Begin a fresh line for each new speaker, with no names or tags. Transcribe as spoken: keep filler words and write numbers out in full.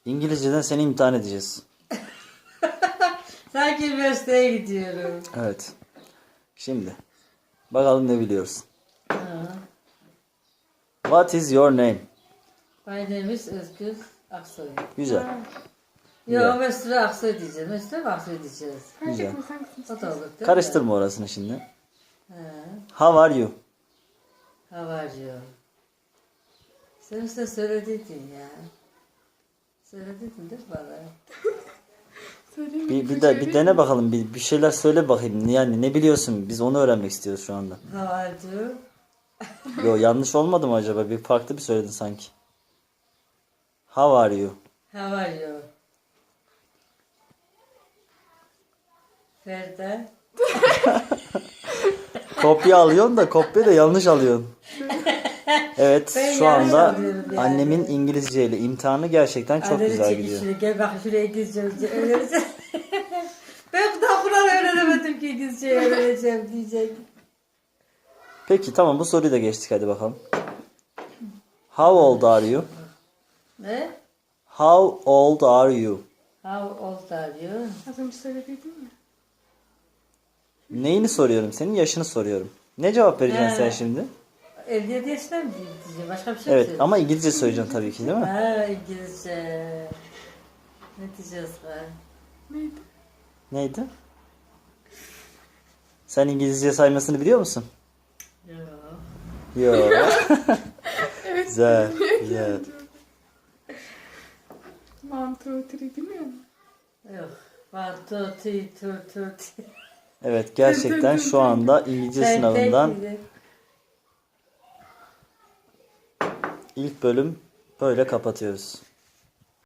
İngilizceden seni imtihan edeceğiz.
Sanki üniversiteye gidiyorum.
Evet. Şimdi. Bakalım ne biliyorsun.
Ha.
What is your name?
My name is Özgür Aksoy.
Güzel.
Yo,
Güzel.
Mesut Aksoy diyeceğiz. Mesut Aksoy diyeceğiz.
Güzel.
O da olur değil mi?
Karıştırma orasını şimdi.
Ha.
How are you?
How are you? Sen işte söylediydin ya. Söylediydin değil mi bana?
Bir, bir, de, bir dene bakalım. Bir, bir şeyler söyle bakayım. Yani ne biliyorsun? Biz onu öğrenmek istiyoruz şu anda.
How are you?
Yo, yanlış olmadı mı acaba? Bir farklı bir söyledin sanki. How are you?
How are you? Ferda.
Kopya alıyorsun da kopya da yanlış alıyorsun. Evet,
Ben
şu
yanlış
anda
alıyorum yani.
annemin İngilizce ile imtihanı gerçekten çok
Anneni
güzel
çek
gidiyor.
içine, gel bak şuraya İngilizce öğreneceğim. Ben daha Kur'an öğrenemedim ki İngilizce öğreneceğim diyecek.
Peki tamam, bu soruyu da geçtik, hadi bakalım. How old are you?
Ne?
How old are you?
How old are you?
Az önce söylediydin mi?
Neyini soruyorum? Senin yaşını soruyorum. Ne cevap vereceksin
He.
sen şimdi?
elli yedi yaşında mı diyeceğim? Başka bir şey mi
Evet
söyleyeyim?
ama İngilizce söyleyeceksin tabii ki, değil mi?
Ha, İngilizce. Ne diyeceğiz be?
Neydi?
Neydi? Sen İngilizce saymasını biliyor musun?
Yok.
Yok.
Evet.
Güzel. Güzel.
One, two, three bilmiyor musun?
Yok. One, two, three, two, two, three.
Evet, gerçekten şu anda İngilizce
Sen
sınavından
tek-
ilk bölüm böyle kapatıyoruz.